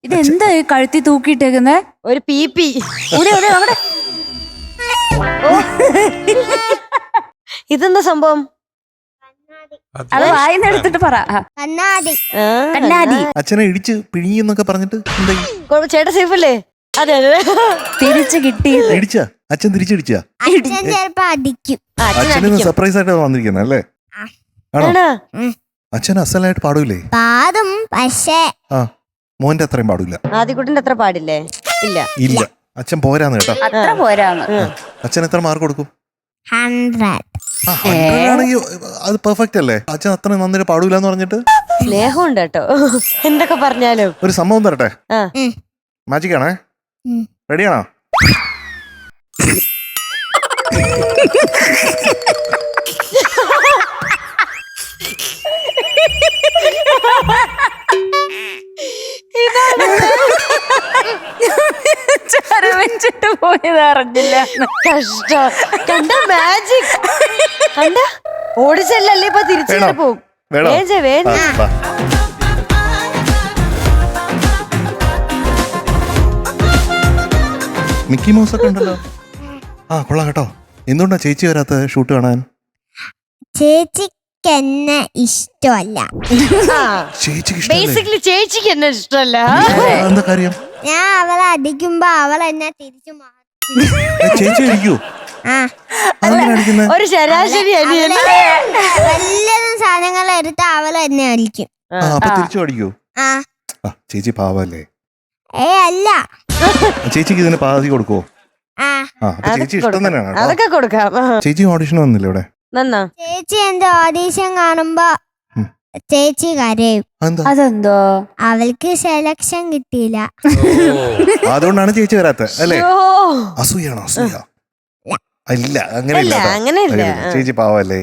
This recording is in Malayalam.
ഇതെന്താ ഈ കഴുത്തി തൂക്കിയിട്ടേക്കുന്നേ? ഒരു പീപ്പി. അവിടെ ഇതെന്താ സംഭവം? അത് വായിന്നെടുത്തിട്ട് പറ. കണ്ണാടി. കണ്ണാടി. അച്ഛനെ ഇടിച്ച് പിഴിയെന്നൊക്കെ പറഞ്ഞിട്ട് എന്തായി? ചേട്ടാ സേഫല്ലേ? അതെ അതെ. തിരിച്ചു കിട്ടി. ഇടിച്ചാ അച്ഛൻ തിരിച്ചടിച്ചാ? അച്ഛൻ ചിലപ്പോ അടിക്കും. അച്ഛന് സർപ്രൈസ് ആയിട്ട് വന്നിരിക്കുന്നത് അല്ലേ? ആണോ? അച്ഛൻ അസലായിട്ട് പാടൂലേ? പാടും, പക്ഷേ ആ മോന്റെ അത്രയും പാടില്ല. ആദ്യക്കുട്ടിന്റെ അത്ര പാടില്ലേ? ഇല്ല ഇല്ല, അച്ഛൻ പോരാന്ന് കേട്ടോ. അത്ര പോരാന്ന്. അച്ഛൻ എത്ര മാർക്ക് കൊടുക്കും? 100. 100 ആണെങ്കിൽ അത് പെർഫെക്റ്റ് അല്ലേ? അച്ഛൻ അത്ര നന്നായിട്ട് പാടൂല എന്ന് പറഞ്ഞിട്ട് സ്നേഹമുണ്ട് കേട്ടോ. എന്തൊക്കെ പറഞ്ഞാലും. ഒരു സംഭവം തരട്ടെ? മാജിക് ആണേ. റെഡിയാണോ? വെച്ചിട്ട് പോയത് അറിഞ്ഞില്ല. കഷ്ടം. കണ്ട മാജിക് കണ്ട. ഓടിച്ചല്ലേ ഇപ്പൊ തിരിച്ചു പോകും. മിക്കി മൗസ് ഒക്കെ ഉണ്ടല്ലോ. ആ കൊള്ളാം കേട്ടോ. എന്തുകൊണ്ടാ ചേച്ചി വരാത്ത ഷൂട്ട് കാണാൻ? ചേച്ചിക്ക് എന്നെ ഇഷ്ടമല്ല. ചേച്ചിക്ക് ബേസിക്കലി ചേച്ചിക്ക് എന്നെ ഇഷ്ടമല്ല. എന്താ കാര്യം? ഞാൻ അവളെ അടിക്കുമ്പോ അവൾ എന്നെ തിരിച്ചു ചേച്ചി അടിക്കൂ? ഒരു ശരാശരി വല്ലതും സാധനങ്ങൾ എടുത്ത് അവൾ എന്നെ അടിക്കും. അപ്പൊ തിരിച്ചു അടിക്കൂ? ചേച്ചി പാവല്ലേ? അല്ല. ചേച്ചിക്ക് ഇതിന് പാതി കൊടുക്കുവോ? ചേച്ചി ഇഷ്ടം തന്നെയാണ്. അതൊക്കെ കൊടുക്കാം. ചേച്ചി ഓഡിഷൻ വന്നില്ല ഇവിടെ? ചേച്ചി എന്റെ ഓഡീഷൻ കാണുമ്പോ ചേച്ചി കരയും. അതെന്തോ? അവൾക്ക് സെലക്ഷൻ കിട്ടിയില്ല. അതുകൊണ്ടാണ് ചേച്ചി വരാത്ത അല്ലേ? അസൂയാണോ? അസൂയ അല്ല, അങ്ങനെയില്ല. അങ്ങനെയില്ല. ചേച്ചി പാവല്ലേ?